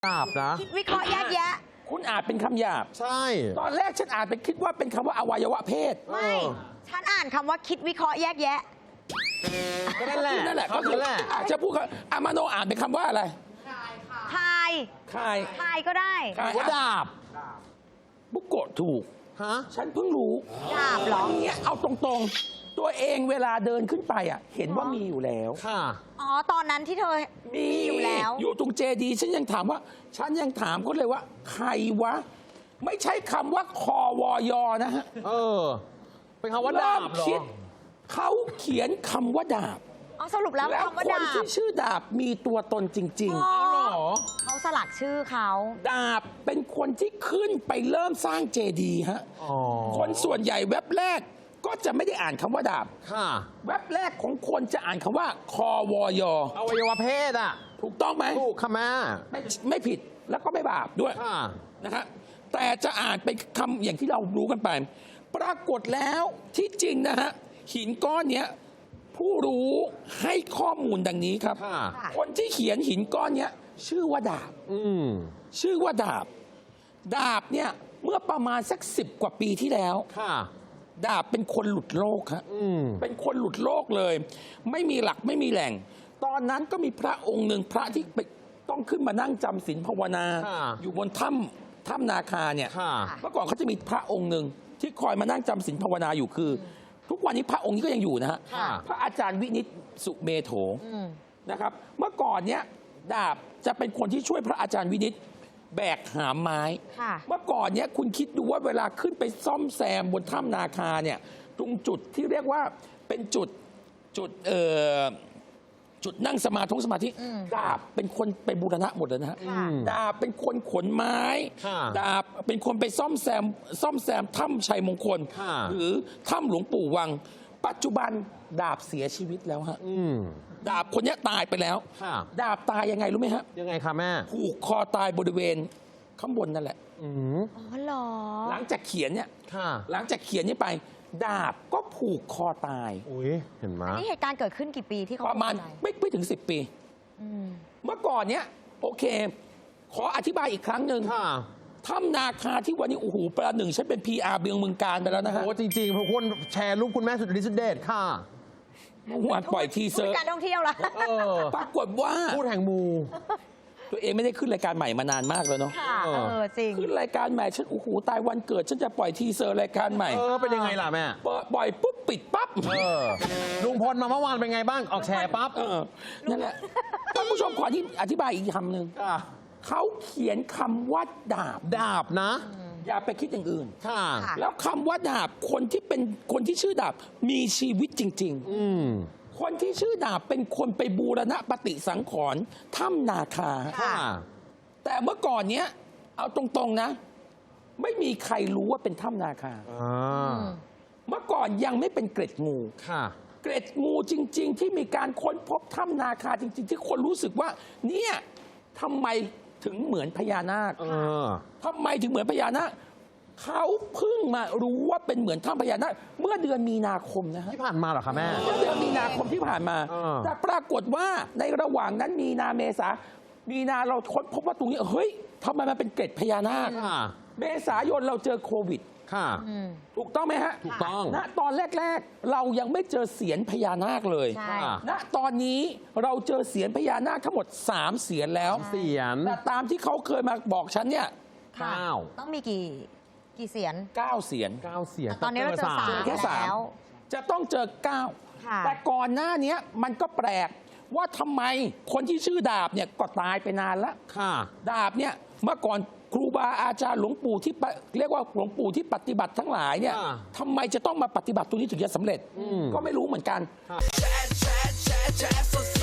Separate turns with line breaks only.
ดาบนะ
คิดวิเคราะห์แยกแยะ
คุณอ่านเป็นคำหยาบ
ใช่
ตอนแรกฉันอ่านไปคิดว่าเป็นคำว่าอวัยวะเพศ
ไม่ ฉันอ่านคำว่าคิดวิเคราะห์แยกแยะ
ก็นั่นแหละ
นั่นแหละ
ก็
ก็คือ
นั่นแหละ
อาจจะพูดอามาโนอ่านเป็นคำว่าอะไร
ทาย
คาย
ทายก็ได้
คาย
ว่าดาบ
บุกโกะถูก
ฮะ
ฉันเพิ่งรู้
ดาบเหรอ
วันนี้เอาตรงๆ ตัวเองเวลาเดินขึ้นไปเห็นว่ามีอยู่แล้ว
ค่ะ
อ๋อ ตอนนั้นที่เธอ
มี
อยู่แล้ว
อยู่ตรงเจดีย์ฉันยังถามเขาเลยว่า ใครวะ ไม่ใช่คำว่าคอวอยนะฮะ
เออ เป็นคำว่าดาบเหรอ
คิดเขาเขียนคำว่าดาบ
อ๋อ สรุปแล้ว
แล้ว
คำว่า
คน
ดาบ
ที่ชื่อดาบมีตัวตนจริง
อ๋อ
เหรอ
เขาสลักชื่อเขา
ๆ ดาบเป็นคนที่ขึ้นไปเริ่มสร้างเจดีย์ฮะ
อ๋อ
คนส่วนใหญ่เว็บแรกก็จะไม่ได้อ่านคำว่าดาบ
ค่ะ
เว็บแรกของคนจะอ่านคำว่าคอวอยอ
อวัยวะเพศอ่ะ
ถูกต้องไหม
ถูกค่ะแม่
ไม่ผิดแล้วก็ไม่บาปด้วย
ค่ะ
นะฮะแต่จะอ่านเป็นคำอย่างที่เรารู้กันไป ปรากฏแล้วที่จริงนะฮะหินก้อนเนี้ยผู้รู้ให้ข้อมูลดังนี้ครับ
ค่ะ
คนที่เขียนหินก้อนเนี้ยชื่อว่าดาบ
อืม
ชื่อว่าดาบ ดาบเนี่ยเมื่อประมาณสัก10 กว่าปีที่แล้ว
ค่ะ
ดาบเป็นคนหลุดโลกฮะ
อืม
เป็นคนหลุดโลกเลย ไม่มีหลักไม่มีแหล่ง ตอนนั้นก็มีพระองค์หนึ่งพระที่ต้องขึ้นมานั่งจำศีลภาวนา
ค่ะ
อยู่บนถ้ำนาคาเนี่ย
ค่ะ
เมื่อก่อนเขาจะมีพระองค์หนึ่งที่คอยมานั่งจำศีลภาวนาอยู่คือ ทุกวันนี้พระองค์นี้ก็ยังอยู่นะฮะ
ค่ะ
พระอาจารย์วินิตสุเมโถ
อืม
นะครับ เมื่อก่อนเนี้ยดาบจะเป็นคนที่ช่วยพระอาจารย์วินิตแบกหามไม้
ค่ะ
เมื่อก่อนเนี้ยคุณคิดดูว่าเวลาขึ้นไปซ่อมแซมบนถ้ำนาคาเนี่ยตรงจุดที่เรียกว่าเป็นจุดนั่งสมาธิ
อืม
ดาบเป็นคนไปบูรณะหมดเลยนะฮะ
ค่ะ
ดาบเป็นคนขนไม้
ค่ะ
ดาบเป็นคนไปซ่อมแซมถ้ำชัยมงคล
ค่ะ
หรือถ้ำหลวงปู่วัง ปัจจุบันดาบเสียชีวิตแล้วฮะ
อืม
ดาบคนเนี้ยตายไปแล้ว
ค่ะ
ดาบตายยังไงรู้ไหมฮะ
ยังไงคะแม่
ผูกคอตายบริเวณข้างบนนั่นแหละ
อืม
อ๋อเหรอ
หลังจากเขียนเนี่ย
ค่ะ
หลังจากเขียนนี้ไป ดาบก็ผูกคอตาย
อุ้ยเห็นไหม
นี่เหตุการณ์เกิดขึ้นกี่ปีที่เขา
ประมาณ
ตย
ไม่ถึง 10 ปี
อืม
เมื่อก่อนเนี้ยโอเค ขออธิบายอีกครั้งหนึ่ง
ค่ะ
ถ้ำนาคาที่วันนี้โอ้โหประหนึ่งฉันเป็น PR เบืองเมืองการไปแล้วนะฮะ
โอ้จริงๆเพราะคนแชร์รูปคุณแม่สุดฤทธิ์สุดเดชค่ะ
เมื่อวานปล่อยทีเซอร์
การท่องเที่ยวละ
เออ
ปรากฏว่า
พูดแห่งมู
ตัวเองไม่ได้ขึ้นรายการใหม่มานานมากแล้วเนาะ
ค่ะ จริง
ขึ้นรายการใหม่ฉันโอ้โหตายวันเกิด ฉันจะปล่อยทีเซอร์รายการใหม่
เออ เป็นยังไงล่ะแม่
ปล่อยปุ๊บปิดปั๊บ
เออ ลุงพลมาเมื่อวานเป็นไงบ้าง ออกแชร์ปั๊บ
นั่นแหละท่านผู้ชมขอที่อธิบายอีกคำหนึ่ง
ค่ะ
เขาเขียนคำว่าดาบ
ดาบนะ
อย่าไปคิดอย่างอื่น
ค่ะ
ค่ะ
แล้วคำว่าดาบคนที่ชื่อดาบมีชีวิตจริง
อืม
ๆ คนที่ชื่อดาบเป็นคนไปบูรณะปฏิสังขรณ์ถ้ำนาคา
ค่ะ
แต่เมื่อก่อนเนี้ยเอาตรงๆนะ ไม่มีใครรู้ว่าเป็นถ้ำนาคา
อ่า
เมื่อก่อนยังไม่เป็นเกร็ดงู
ค่ะ
เกร็ดงูจริง ๆ ที่มีการค้นพบถ้ำนาคาจริง ๆ ที่คนรู้สึกว่า เนี่ยทำไมถึงเหมือนพญานาค
เออ
ทำไมถึงเหมือนพญานาคเขาเพิ่งมารู้ว่าเป็นเหมือนถ้ำพญานาคเมื่อเดือนมีนาคมนะฮะ
ที่ผ่านมาเหรอคะแม่
เมื่อเดือนมีนาคมที่ผ่านมา แต่ปรากฏว่าในระหว่างนั้นมีนาเมษามีนาเราค้นพบว่าตรงนี้เฮ้ยทำไมมันเป็นเกร็ดพญานาค
ค่ะ
เมษายนเราเจอโควิด
ค่ะ
อืม
ถูกต้องไหมฮะ
ถูกต้อง
ณตอนแรก ๆ เรายังไม่เจอเสียนพญานาคเลย
ใช่
ค่ะ
ณตอนนี้เราเจอเสียนพญานาคทั้งหมด 3 เสียนแล้ว
เสียน
แต่ตามที่เขาเคยมาบอกฉันเนี่ย
ค่ะ
เก้า
ต้องมีกี่เสียน
9 เสียน
9 เสียน
ตอนนี้เราเจอสาม
แค่สาม
แล้ว
จะต้องเจอ
ค่ะ
9 แต่ก่อนหน้านี้มันก็แปลกว่าทำไมคนที่ชื่อดาบเนี่ยก็ตายไปนานแล้ว
ค่ะ
ดาบเนี่ยเมื่อก่อนครูบาอาจารย์หลวงปู่ที่เรียกว่าหลวงปู่ที่ปฏิบัติทั้งหลายเนี่ย
อ่า
ทำไมจะต้องมาปฏิบัติตรงนี้ถึงจะสำเร็จ ก็ไม่รู้เหมือนกัน
ค่ะ
chat, chat, chat, chat, so